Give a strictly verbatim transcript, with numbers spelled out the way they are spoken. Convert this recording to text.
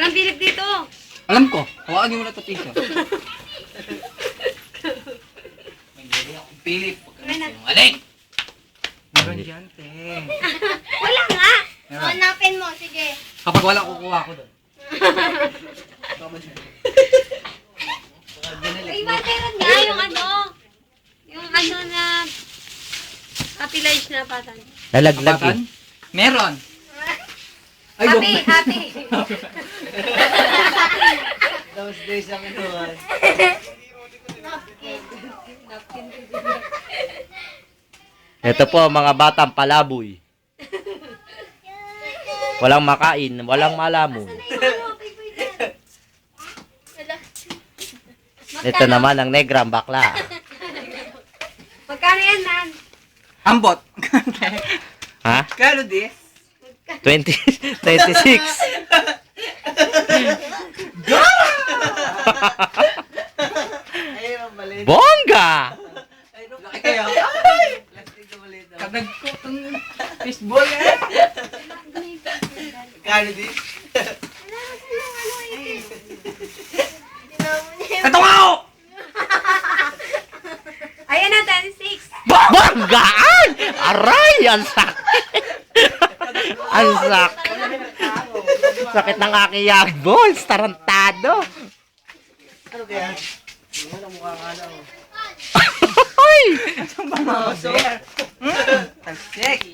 Walang bilib dito. Alam ko. Hawakan niyo muna ito, teacher. May dali akong pilip. Sinungaling! Meron dyan, te. Wala nga. Meron. Hanapin mo, sige. Kapag wala, kukuha ko doon. Ay, meron nga yung ano. Yung ano na capitalize na patan. Lalaglag Kapatan? eh. Meron. Ay, Happy, go. happy. Those days ang inuwan. Ito po mga batang palaboy. Walang makain, walang malamon. Ito naman ang negram bakla. Magkano yan, Nan? Ambot. Ha? Kano this? twenty, twenty-six. Ayun ang maliit. Bongga! Laki kayo. Plastic na maliit. Kadag ko itong fishball eh. Kano din? Ito nga ako! Ayan na, twenty-six. Bonggaan! Aray! Ang sakit! Ang sakit! Sakit ng aking young balls! Tarantado! Ano kaya? Ano mukha ka na oh. Ay! Ang mga sir. Talsik.